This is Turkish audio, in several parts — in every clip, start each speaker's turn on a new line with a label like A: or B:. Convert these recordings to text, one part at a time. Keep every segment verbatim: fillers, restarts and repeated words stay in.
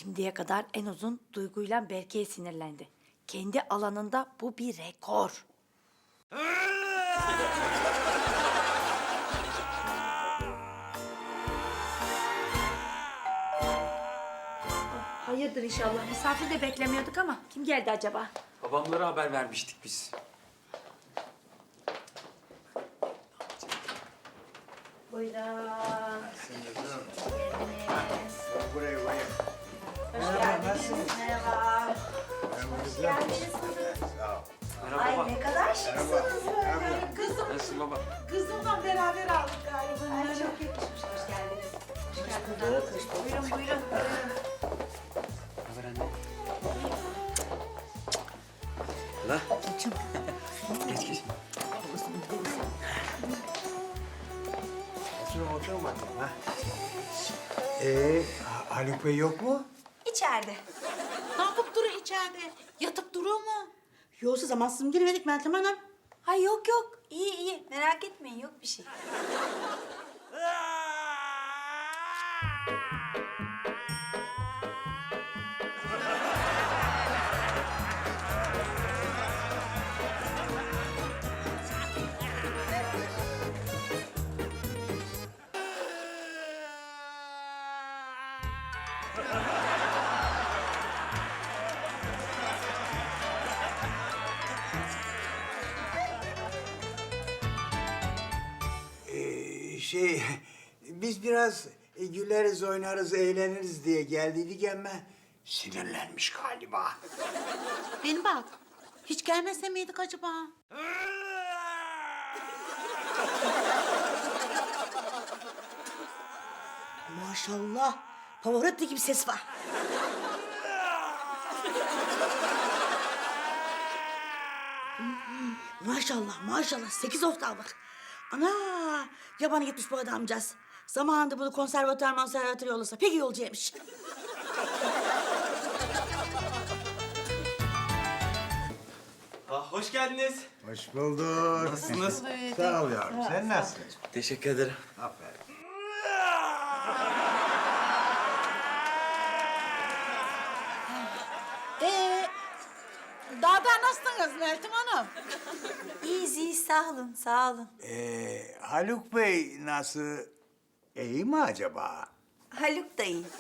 A: Şimdiye kadar en uzun Duygu'yla Berke'ye sinirlendi. Kendi alanında bu bir rekor. Hayırdır inşallah. Misafir de beklemiyorduk ama kim geldi acaba?
B: Babamlara haber vermiştik biz.
A: Buyurun.
C: Buraya buraya.
A: Hoş geldiniz. Merhaba. Hoş geldiniz.
B: Merhaba
A: Ay
B: baba.
A: ne kadar şıksınız böyle.
D: Kızım,
B: Nasılsın baba?
D: kızımla beraber aldık galiba.
A: Ay çok yakışmış. Hoş geldiniz. Hoş geldiniz. Buyurun buyurun.
B: Ne haber anne? La. Geç geç.
C: Oturun oturun bakalım ha. Ee, Ha- Haluk Bey yok mu?
A: İçeride.
D: Ne yapıp duruyor içeride? Yatıp duruyor mu?
E: Yoksa zamansız mı girmedik Meltem Hanım?
A: Ay yok yok. İyi iyi. Merak etmeyin yok bir şey.
C: Ee, şey, biz biraz e, güleriz, oynarız, eğleniriz diye geldiydik ama sinirlenmiş galiba.
D: Beni bak. Hiç gelmese miydik acaba?
E: Maşallah. Pavarotti gibi ses var. Maşallah, maşallah. Sekiz oktavlık. Ana! Yabana gitmiş bu adamcağız. Zamanında bunu konservatuar konservatuar yollasa pek iyi olacakmış.
F: Ah, hoş geldiniz.
C: Hoş bulduk.
F: Nasılsınız?
C: Sağ ol yavrum. Sen nasılsın?
F: Teşekkür ederim.
C: Aferin.
D: Ee, daha da nasılsınız Meltem Hanım?
A: İyiyiz iyiyiz. Sağ olun sağ olun.
C: Ee, Haluk Bey nasıl? İyi mi acaba?
A: Haluk da iyi.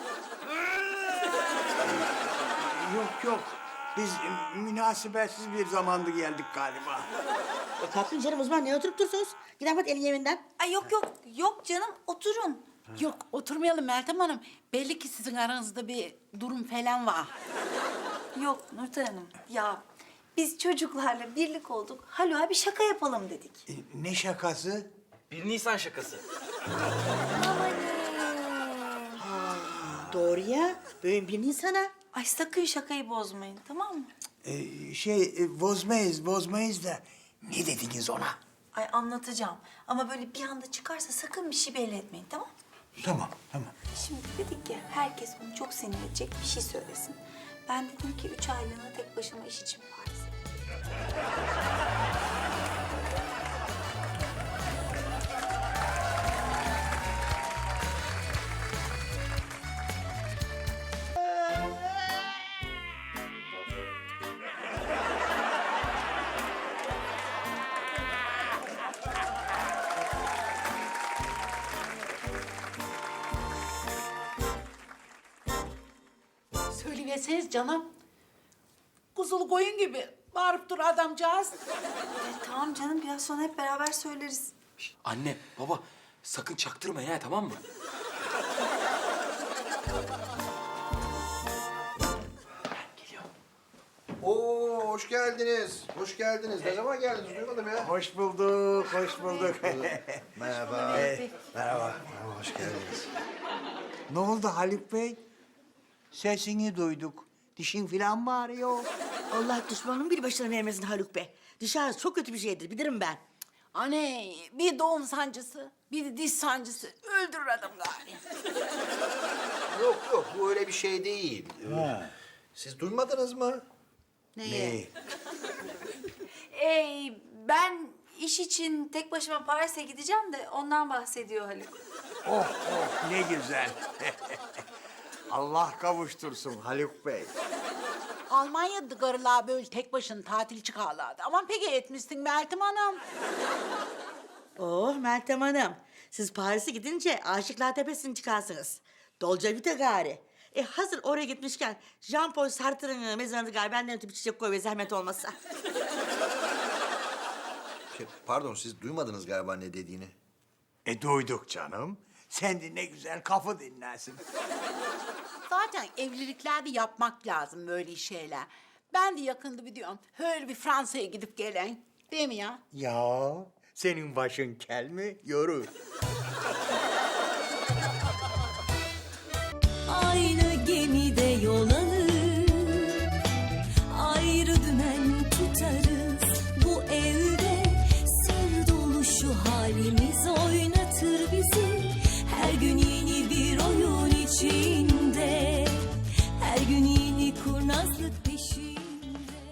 C: Yok yok. Biz e, münasebetsiz bir zamanda geldik galiba.
E: E, kalkın canım uzman ne oturup dursunuz? Gidin hadi elin evinden.
A: Ay yok yok. Yok canım oturun.
D: Yok oturmayalım Meltem Hanım. Belli ki sizin aranızda bir durum falan var.
A: Yok Nurten Hanım. Ya biz çocuklarla birlik olduk. Haluk'a bir şaka yapalım dedik.
C: E, ne şakası?
F: Bir Nisan şakası.
E: Doğru ya. Böyle bir insana.
A: Ay sakın şakayı bozmayın tamam mı?
C: Ee, şey, e, bozmayız, bozmayız da ne dediniz ona?
A: Ay anlatacağım. Ama böyle bir anda çıkarsa sakın bir şey belli etmeyin tamam mı?
C: Tamam, tamam.
A: Şimdi dedik ki herkes onu çok sinir edecek bir şey söylesin. Ben dedim ki üç aylığına tek başıma iş için Paris'e.
D: Söyleyiverseniz canım. Kuzulu koyun gibi bağırıp dur adamcağız.
A: Ay, tamam canım biraz sonra hep beraber söyleriz.
B: Şişt, anne, baba sakın çaktırmayın ha tamam mı? Geliyor.
G: Oo, hoş geldiniz. Hoş geldiniz. Ne zaman geldiniz? Duymadım ya.
C: Hoş bulduk, hoş bulduk.
G: Merhaba. Merhaba. Merhaba, hoş geldiniz.
C: Ne oldu Haluk Bey? Sesini duyduk. Dişin falan mı ağrıyor?
E: Allah düşmanın bir başına vermesin Haluk Bey. Dışarı çok kötü bir şeydir bilirim ben.
D: Anne bir doğum sancısı, bir de diş sancısı öldürür adam gari.
G: Yok yok, bu öyle bir şey değil. Ee, Siz duymadınız mı?
C: Ne?
A: Ee, ben iş için tek başıma Paris'e gideceğim de ondan bahsediyor Haluk.
C: Oh oh ne güzel. Allah kavuştursun Haluk Bey.
D: Almanya'da karılar böyle tek başına tatil çıkarlardı. Aman peki etmişsin Meltem Hanım.
E: Oh Meltem Hanım. Siz Paris'e gidince Aşıklar Tepesi'ni çıkarsınız. Dolce Vita gari. E hazır oraya gitmişken Jean-Paul Sartre'ın mezarını gari benden ötüp çiçek koy ve zahmet olmazsa.
G: Şey, pardon siz duymadınız galiba ne dediğini.
C: E duyduk canım. Sen de ne güzel kafa dinlersin.
D: Zaten evliliklerde yapmak lazım böyle şeyler. Ben de yakında bir diyorum. Öyle bir Fransa'ya gidip gelen. Değil mi ya?
C: Ya senin başın kel mi? Yorur.
H: Aynı gemide yol alır, ayrı dümen tutarız. Bu evde sır dolu şu halimiz oynatır bizi. Her gün yeni bir oyun içinde, her gün yeni kurnazlık.